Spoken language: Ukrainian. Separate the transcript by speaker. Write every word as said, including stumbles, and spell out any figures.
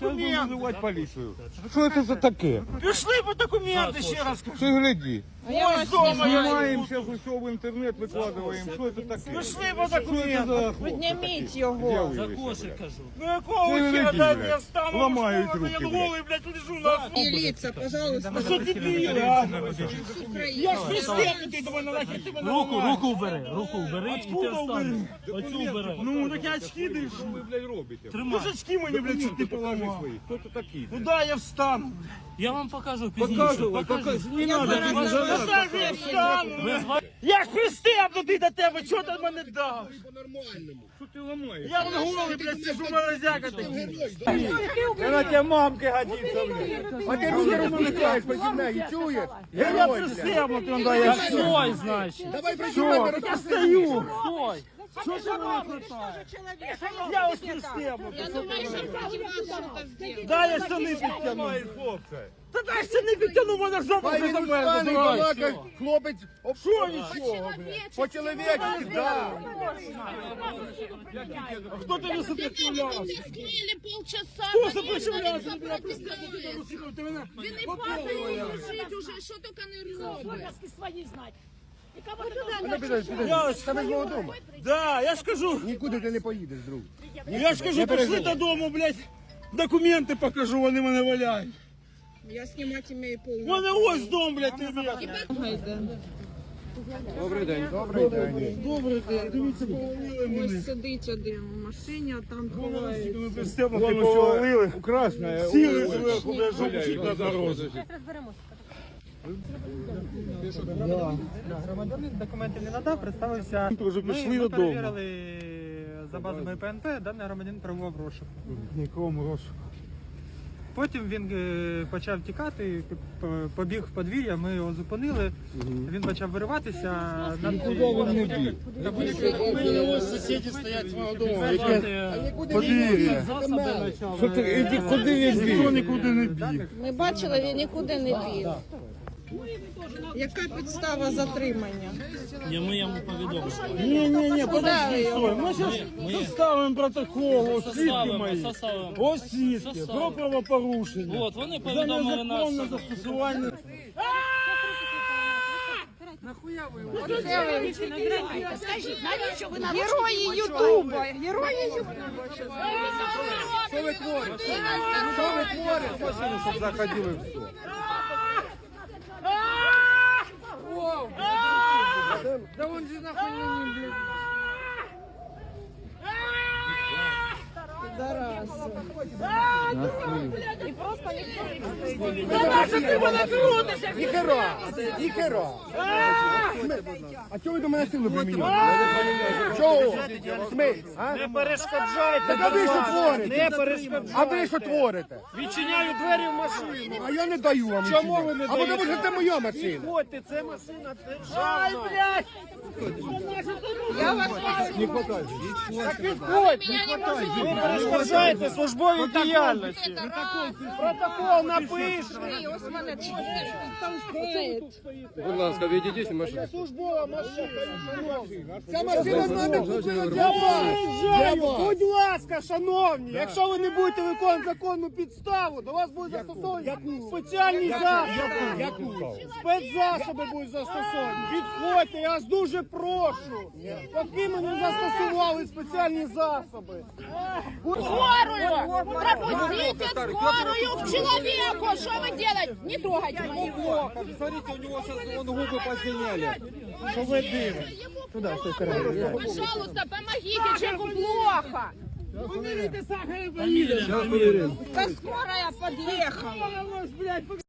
Speaker 1: документи. Визивати поліцію. Що це за таке?
Speaker 2: Пішли по документи, ще раз кажу.
Speaker 1: Ти гляди.
Speaker 2: Ось дома я.
Speaker 1: Знімаємо, зараз усе в інтернет викладаємо. Що це таке?
Speaker 2: Пішли по документи.
Speaker 3: Підніміть його.
Speaker 2: За кошик кажу. Ну якого хера, дай я встану.
Speaker 1: Ламають руки,
Speaker 2: Я голий, блядь, лежу на асфальті.
Speaker 3: Міліція, пожалуйста.
Speaker 2: Ну що дебіли, а? Я ж пристебнутий до мене, нахер ти мене
Speaker 4: Руку,
Speaker 2: ламаєш.
Speaker 4: руку убери, руку убери і ти встань. Оцю убери.
Speaker 2: Ну, так я очки дивлюсь.
Speaker 1: Що ви, блядь, робите?
Speaker 2: Ти ж очки мені, блядь, чуть не поламав.
Speaker 1: Хто це такий?
Speaker 2: Ну да, я встану.
Speaker 4: Я вам покажу пізніше.
Speaker 1: Показувай,
Speaker 4: Покажи.
Speaker 1: покажи. Не надо,
Speaker 2: Ну так я встану. Я ж пристебнутий до тебе, чого ти мене дав?
Speaker 1: Що ти ламаєш?
Speaker 2: Я вон голий, блядь, сижу морозяка такий.
Speaker 1: Вона тебе мамки годиться, блядь. А ти руки розмовляєш проти неї, чуєш?
Speaker 2: Я пристебнутий, он да, я
Speaker 4: Так стой, значить.
Speaker 1: Давай
Speaker 2: Що? Я стою.
Speaker 4: Стой.
Speaker 2: Що ти мене хватає? Я ось пристебнутий. Дай я штани підтягну. Та дай штани підтягну, мене жопа вже замерзла.
Speaker 1: Хлопець,
Speaker 2: Що нічого, блядь?
Speaker 1: по-чоловічці, да.
Speaker 2: Хто тобі сопротивлявся?
Speaker 5: Ти скрили полчаса.
Speaker 2: Хто сопротивлявся? Ти мене пристебнутий до руки, ти мене...
Speaker 5: Він не падає, він лежить уже, що тільки не робить.
Speaker 2: Я ось...
Speaker 1: Тебе ж мого дому.
Speaker 2: Да, я ж кажу,
Speaker 1: Нікуди ти не поїдеш, друг.
Speaker 2: я ж кажу, пішли додому, блядь, документи покажу, вони мене валяють.
Speaker 3: Я знімати маю
Speaker 2: У
Speaker 3: повну.
Speaker 2: мене ось дом, блядь, ти блядь.
Speaker 1: Добрий день. Добрий день.
Speaker 2: Добре, дивіться, повалили мене.
Speaker 3: Ось сидить один в машині, а там ховається.
Speaker 2: Ми пристебнути повалили.
Speaker 1: Красна.
Speaker 2: Сіли зверху, блядь, жопчик на дорозі.
Speaker 6: Громадянин документів не надав, представився.
Speaker 2: Вже
Speaker 6: Ми,
Speaker 2: пішли
Speaker 6: ми
Speaker 2: додому.
Speaker 6: перевірили за базами ПНП, даний громадянин перебував в розшуку.
Speaker 2: Нікому розшуку.
Speaker 6: Потім він е, почав тікати, п- побіг в подвір'я, ми його зупинили, він почав вириватися. Над...
Speaker 2: Ось сусіди стоять свого дому.
Speaker 4: Подвір'я.
Speaker 1: Що ти, іди, куди він
Speaker 2: Ніхто
Speaker 1: біг?
Speaker 2: нікуди не біг.
Speaker 3: Ми бачили, він нікуди не біг. Яка підстава затримання?
Speaker 4: Ні, ми йому повідомимо.
Speaker 2: Ні, ні, ні, подожди,
Speaker 3: його.
Speaker 2: стой. Ми зараз составимо протокол, ось свідки
Speaker 4: Составимо,
Speaker 2: мої.
Speaker 4: составимо.
Speaker 2: Ось свідки, про
Speaker 4: Составимо.
Speaker 2: правопорушення.
Speaker 4: От, вони
Speaker 2: За
Speaker 4: повідомили
Speaker 2: незаконне
Speaker 4: нас.
Speaker 2: застосування.
Speaker 5: Скажіть, навіщо ви нам
Speaker 3: Герої Ютуба! Герої Ютуба!
Speaker 1: Що ви творите? Що ви творите? Машину, щоб заходили в все. Да он же нахуй не блядь. Ніхера! Ніхера! А чого ви до мене силу примінюєте? Чого? Смить?
Speaker 2: Не перешкоджайте,
Speaker 1: Так а ви що творите?
Speaker 2: Не перешкоджайте.
Speaker 1: А ви що творите?
Speaker 2: Відчиняю двері в машину.
Speaker 1: А я не даю вам.
Speaker 2: Чому
Speaker 1: нічого.
Speaker 2: ви не
Speaker 1: А тому що це моя машина.
Speaker 2: Ходьте, це машина державна. Ай, блядь!
Speaker 3: Я вас
Speaker 2: Так підходь! Ви перешкоджаєте службовій діяльності. Протокол напишемо.
Speaker 3: ось мене толкає.
Speaker 1: Будь ласка, відійдіть машину.
Speaker 2: Службова машина.
Speaker 1: Ця машина мене купила для
Speaker 2: Заїжджаю. Будь ласка, шановні, якщо ви не будете виконувати законну підставу, до вас будуть застосовані спеціальні засоби. Спецзасоби будуть застосовані. Підходьте, я вас дуже прошу. Поки ми не застосували спеціальні засоби.
Speaker 5: скорую? Пропустите скорую к человеку. Что вы делаете? Не трогайте его.
Speaker 1: Смотрите, у него сейчас вон губы посиняли.
Speaker 2: Що ви дивите?
Speaker 5: Пожалуйста, помогите, человеку плохо.
Speaker 2: Поміряйте сахар.
Speaker 5: Да скорая подъехала.